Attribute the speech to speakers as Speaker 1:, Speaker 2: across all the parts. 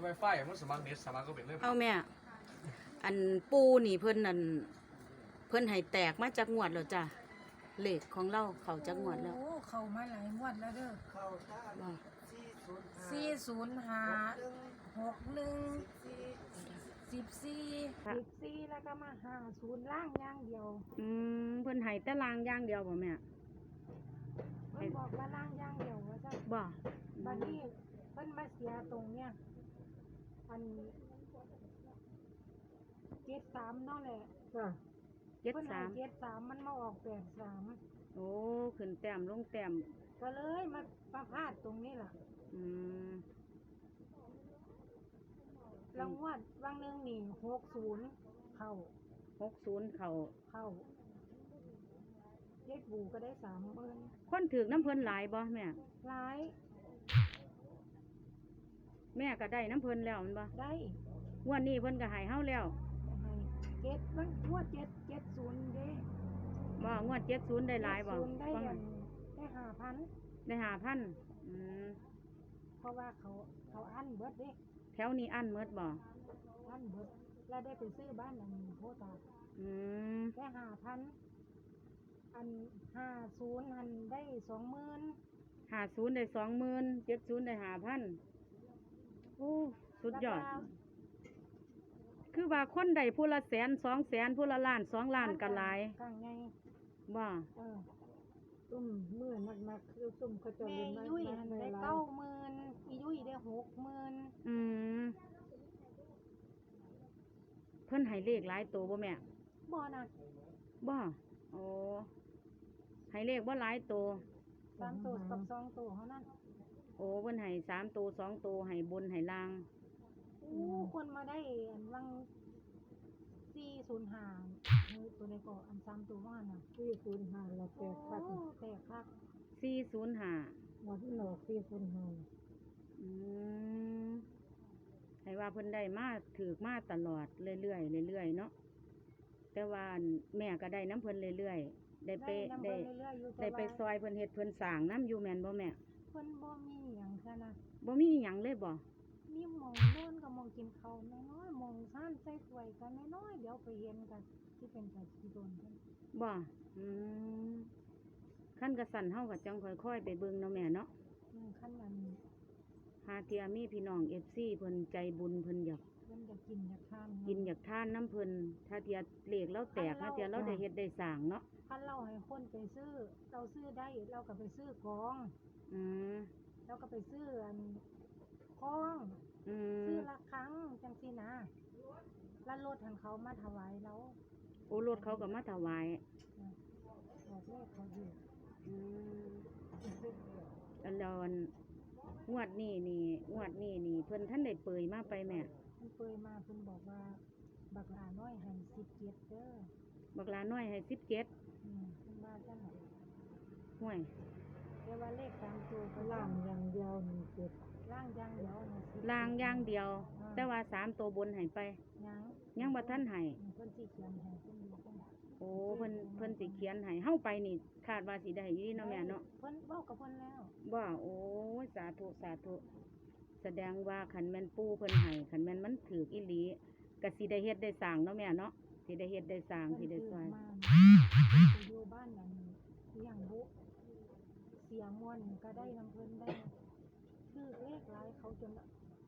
Speaker 1: Wi-Fi มันสมัครเน็ตสมัครก็เป็นเลย
Speaker 2: เอาแม่อันปูนี่เพิ่นนั่นเพิ่นให้แตกมาจากงวดแล้วจ้ะเลขของเราเข้าจากงวดแล้ว
Speaker 3: โอ้เข้ามาหลายงวดแล้วเด้อ
Speaker 2: บ่
Speaker 3: 405 61 14แล้วก็มา50ล่างอย่างเดียว
Speaker 2: เพิ่นให้แต่ลางอย่างเดียวบ่แม่
Speaker 3: เพิ่นบอกว่าล่างอย่างเดียวว่าซั่น
Speaker 2: บ่
Speaker 3: บัดนี้เพิ่นมาเสียตรงเนี้ยอัน73เนาะแหละ
Speaker 2: เจ็ด
Speaker 3: เพิ่นให้
Speaker 2: สาม
Speaker 3: 73มันมาออก83
Speaker 2: โอ้ขึ้นแต้มลงแต้ม
Speaker 3: ก็เลยมาพลาดตรงนี้ล่ะ
Speaker 2: อืม
Speaker 3: รางวัลวางหนึงนี่60เข้า
Speaker 2: 60เข้า
Speaker 3: เย็ดบูก็ได้30,000
Speaker 2: คนถือน้ำเพิ่นหลายบ่แม่
Speaker 3: หลาย
Speaker 2: แม่ก็ได้น้ำเพิ่นแล้วแมันบ่
Speaker 3: ได้
Speaker 2: งวดนี้เพิ่นก็ให้เฮาแล้ว
Speaker 3: ให้เจ็ดมันงวด770เด้
Speaker 2: บ่งวด70ได้หลายบ่
Speaker 3: 70ได้
Speaker 2: ฟัง
Speaker 3: อั
Speaker 2: หั่
Speaker 3: น
Speaker 2: น
Speaker 3: ได้5,000
Speaker 2: ได้5,000
Speaker 3: เพราะว่าเขาอั้นเบิดเด้
Speaker 2: แถวนี้อั้นหมดบ่
Speaker 3: อั้นเบิดแล้วได้ไปซื้อบ้านอันโพตา
Speaker 2: อืม
Speaker 3: ได้5,000อัน50อันได้20,000
Speaker 2: 50ได้20,000 70ได้5,000โอ้สุดยอด คือว่าคนใดผู้ละ100,000 200,000ผู้ละล้าน2 ล้านก็หลาย
Speaker 3: กลางไง
Speaker 2: บ่
Speaker 3: ตุ้มมือนักคือตุ้มเขาจะเล่นแม่ยุ้ยหันได้90,000อียุ้ยได้60,000
Speaker 2: อืมเพิ่นให้เลขหลายตัวบ่แม่
Speaker 3: บ่นัก
Speaker 2: บ่โอ้ให้เลขบ่หลายตัว
Speaker 3: 3ตัวกับ2ตัวเท่านั้น
Speaker 2: โอ้เพิ่นให้3ตัว2ตัวให้บนให้ล่าง
Speaker 3: คนมาได้อันวัง405ตัวใดก็อัน3ตัวว่าน่ะ405แล้วแตกคักแตกคัก
Speaker 2: 405
Speaker 3: หมดที่หลอก405
Speaker 2: อืมให้ว่าเพิ่นได้มาถูกมาตลอดเรื่อยๆเรื่อยๆเนาะแต่ว่าอันแม่ก็ได้น้ำเพิ่นเรื่อยๆได้ไปได้ไปซอยเพิ่นเฮ็ดเพิ่นสร้างน้ำอยู่แม่นบ่แม่
Speaker 3: เพิ่นบ่มีหยังซะนะ
Speaker 2: บ่มีหยังเลยบ่
Speaker 3: มีหมองโน่นกับหมองกินข้าวน้อยๆหมองซ่านใส่ถ้วยกันน้อยๆเดี๋ยวไปเห็นกันที่เป็นแต่สิโดนเพิ่น
Speaker 2: บ่อืมขั้นกระสันเฮาก็จังค่อยๆไปเบิ่งเนาะแม่เนาะ
Speaker 3: คันนั้น
Speaker 2: หาเทียมีพี่น้อง FC เพิ่นใจบุญเพิ่นอยาก
Speaker 3: เพิ่นอยากกินอยากทาน
Speaker 2: กินอยากทานน้ำเพิ่นถ้าเทียเลขเราแตกถ้าเทียเราได้เฮ็ดได้สร้างเนาะ
Speaker 3: คันเราให้คนไปซื้อเราซื้อได้เราก็ไปซื้อของ
Speaker 2: อืม
Speaker 3: เราก็ไปซื้ออันของ
Speaker 2: อื
Speaker 3: ซื้อ
Speaker 2: ม
Speaker 3: ละครั้งจังซี่นะแล้วรถทางเขามาถวายเรา
Speaker 2: โอ้รถเขาก็มาถวาย
Speaker 3: บอกเลขเขาอยู่
Speaker 2: อืมแล้วอันงวดนี้นี่เพิ่นท่านได้เปยมาไปแม่
Speaker 3: เพิ่นเปยมาเพิ่นบอกว่าบักหลาน้อยให้17เด้อ
Speaker 2: บักหลาน้อยให้17
Speaker 3: เพิ่นว่าจังได๋
Speaker 2: ห่วย
Speaker 3: แต่ว่าเลข3ตัวก็ล่างอย่างเดียว17ล่างอย่างเดียวนี่10
Speaker 2: ลางอย่างเดียว แต่ว่า3ตัวบนให้ไป ยังบ่ทันให้
Speaker 3: เพิ่นสิเขียนให้เพิ่นดูเพิ่น
Speaker 2: โอ้เพิ่นสิเขียนให้เฮาไปนี่คาดว่าสิได้อยู่เนาะแม่เนาะ
Speaker 3: เพิ่นเว้ากับเพิ่นแล้ว
Speaker 2: บ่โอ้ยสาธุสาธุแสดงว่าคันแม่นปู่เพิ่นให้คันแม่นมันถูกอีหลีก็สิได้เฮ็ดได้สร้างเนาะแม่เนาะสิได้เฮ็ดได้สร้างสิได้ซอย
Speaker 3: เพิ่นไปอยู่บ้านนั้นเสียงบุเสียงม่วนก็ได้นำเพิ่นได้ชื่อเลขหลายเขาจน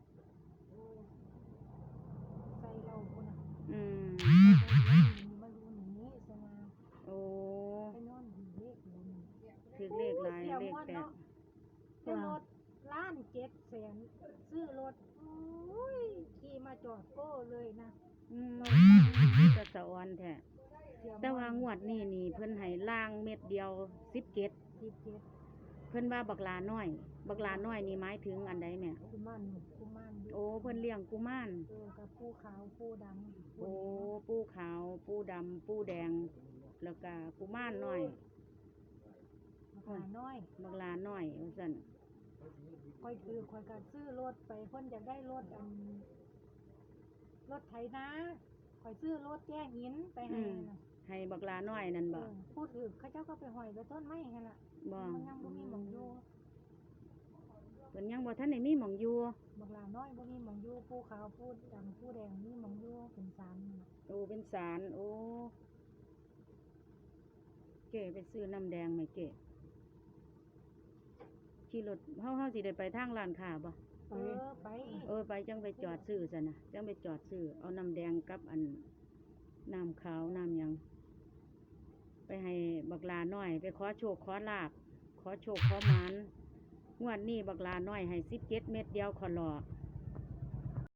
Speaker 3: ใจเราพุ่นน่ะ
Speaker 2: อืม
Speaker 3: มาอยู่นี่ซะนะ
Speaker 2: โอ้
Speaker 3: ไปนอนอยู่เลขอยู่นี่
Speaker 2: ถูกเลขหลายเลขแปด
Speaker 3: ซื้อรถล้าน700,000ซื้อรถอุ้ยขี่มาจอดโก้เลยนะ
Speaker 2: ก็สะออนแท้
Speaker 3: เสีย
Speaker 2: แต่ว่างวดนี้นี่เพิ่นให้ล่างเม็ดเดียว17
Speaker 3: 17
Speaker 2: เพิ่นว่าบักหลาน้อย บักหลาน้อยนี่หมายถึงอันใดแม่
Speaker 3: กุมาร
Speaker 2: โอ้เพิ่นเลี้ยงกุมาร
Speaker 3: กับผู้ขาวผู้ดำ
Speaker 2: โอ้ปูขาวปูดำปูแดง แล้วก็กุมารน้อย
Speaker 3: หาน้อย
Speaker 2: บักหลาน้อยว่าซั่น
Speaker 3: คอยก็ซื้อรถไปเพิ่นอยากได้รถรถไถนาคอยซื้อรถแก้หินไปให้น่ะ
Speaker 2: ให้บักหลาน้อยนั่นบ่
Speaker 3: พูดถึงเขาเจ้าก็ไปห้อยไปต้นไม้หั่นล่ะ
Speaker 2: บ่
Speaker 3: มันยังบ่มีหม่องอยู่
Speaker 2: เพิ่พิ่นยังบ่ทันได้มีหม้องอยู่
Speaker 3: บักหลาน้อยบ่มีหมองอยู่ผู้ขาวผู้ดำผู้แดงมีหมองอยู่เป็นศาลนั่นน่ะ
Speaker 2: โอ้เป็นศาลโอ้เก๋ไปซื้อน้ำแดงไหมเก๋ขี่รถเฮาสิได้ไปทางร้านค้าบ่
Speaker 3: ไปไป
Speaker 2: ไปจังไปจอดซื้อซะนะจังไปจอดซื้อเอาน้ำแดงกับอันน้ำขาวน้ำหยังไปให้บักลาน้อยไปขอโชคขอลาบขอโชคขอหมานงวดนี้บักลาน้อยให้17 เม็ดเดียวขอหลอ